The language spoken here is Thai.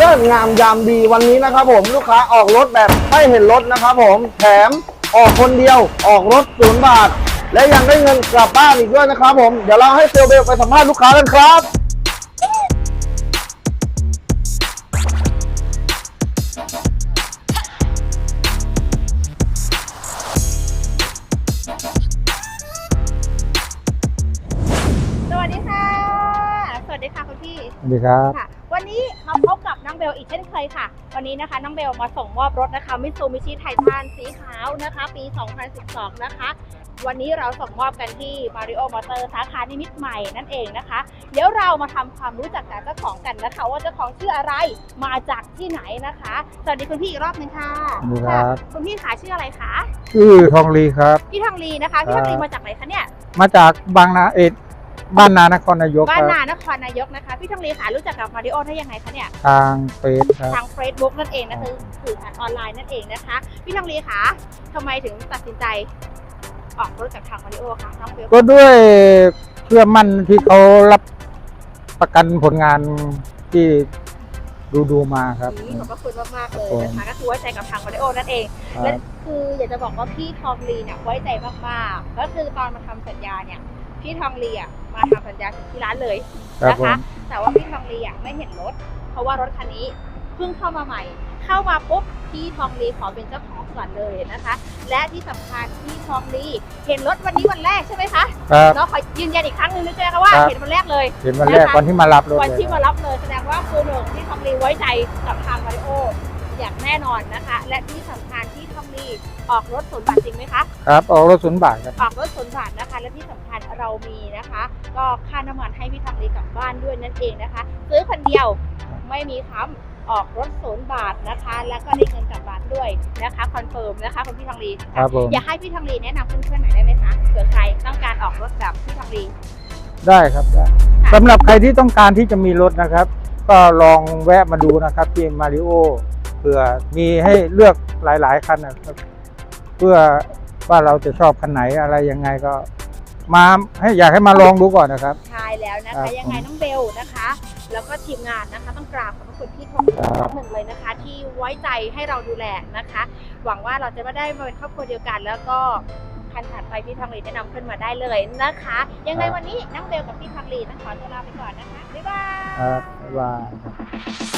เลิศงามยามดีวันนี้นะครับผมลูกค้าออกรถแบบไม่เห็นรถนะครับผมแถมออกคนเดียวออกรถ0 บาทและยังได้เงินกลับบ้านอีกด้วยนะครับผมเดี๋ยวเราให้เซลเบลไปสัมภาษณ์ลูกค้ากันครับสวัสดีค่ะสวัสดีค่ะคุณพี่สวัสดีครับค่ะวันนี้มาพบกับน้องเบลอีกเช่นเคยค่ะวันนี้นะคะน้องเบลมาส่งมอบรถนะคะมิตซูบิชิไททันสีขาวนะคะปี 2012 นะคะวันนี้เราส่งมอบกันที่ Mario Motor สาขานิมิตรใหม่นั่นเองนะคะเดี๋ยวเรามาทำความรู้จักกับเจ้าของกันนะคะว่าเจ้าของชื่ออะไรมาจากที่ไหนนะคะสวัสดีคุณพี่อีกรอบนึงค่ะสวัสดีครับคุณพี่ขาชื่ออะไรคะชื่อทองลีครับพี่ทองลีนะคะพี่ทองลีมาจากไหนคะเนี่ยมาจากบางนาบ้านนานครนายกบ้าคน รับนานครนายกนะคะพี่ทองลีค่ะรู้จักกับ Mario ได้ยังไงคะเนี่ยทางเฟซครับทาง Facebook นั่นเองนะคะสื่อสารออนไลน์นั่นเองนะคะพี่ทองลีคะทำไมถึงตัดสินใจออกรถจากทาง Mario คะน้องเบลก็ด้วยเชื่อมั่นที่เขารับประกันผลงานที่ดูมาครับขอบพระคุณมากๆเลยนะคะก็คือไว้ใจกับทาง Mario นั่นเองและคืออยากจะบอกว่าพี่ทองลีเนี่ยไว้ใจมากๆก็คือตอนมาทำสัญญาเนี่ยพี่ทองลีอ่ะมาทำสัญญาถึงที่ร้านเลยนะคะแต่ว่าพี่ทองลีอ่ะไม่เห็นรถเพราะว่ารถคันนี้เพิ่งเข้ามาใหม่เข้ามาปุ๊บพี่ทองลีขอเป็นเจ้าของก่อนเลยนะคะและที่สำคัญพี่ทองลีเห็นรถวันนี้วันแรกใช่ไหมคะครับเนาะขอยืนยันอีกครั้งหนึ่งนะเจ๊คะว่าเห็นวันแรกเลยเห็นวันแรกวันที่มารับรถวันที่มารับเลยแสดงว่าคือหนึ่งที่ทองลีไว้ใจกับทางมาริโออย่างแน่นอนนะคะและที่สำคัญที่ทองลีออกรถ0 บาทจริงไหมคะครับออกรถ0 บาทครับออกรถ0 บาทนะคะและที่สำคัญเรามีนะคะก็ค่าน้ำมันให้พี่ทองลีกลับบ้านด้วยนั่นเองนะคะซื้อคนเดียวไม่มีค้ำออกรถ0 บาทนะคะแล้วก็ได้เงินกลับบ้านด้วยนะคะคอนเฟิร์มนะคะคุณพี่ทองลีครับผมอยากให้พี่ทองลีแนะนำเพื่อนๆหน่อยได้ไหมคะเผื่อใครต้องการออกรถแบบพี่ทองลีได้ครับได้สำหรับใครที่ต้องการที่จะมีรถนะครับ ก็ลองแวะมาดูนะครับที่มาริโอเผื่อมีให้เลือกหลายๆคันนะครับเพื่อว่าเราจะชอบคันไหนอะไรยังไงก็มาอยากให้มาลองดูก่อนนะครับใช่แล้วนะครัคะบยังไงน้องเบลนะคะ แล้วก็ทีมงานนะคะต้องกราบขอบพระคุณพี่ทองหนึ่งเลยนะคะ ที่ไว้ใจให้เราดูแลนะคะ หวังว่าเราจะไม่ได้มาเป็นครอบครัวเดียวกัน แล้วก็คันถัดไปพี่ทองลีแนะนำขึ้นมาได้เลยนะคะ ยังไงวันนี้น้องเบลกับพี่ทองลีต้องขอตัวลาไปก่อนนะคะบ๊ายบายครับบ๊ายบาย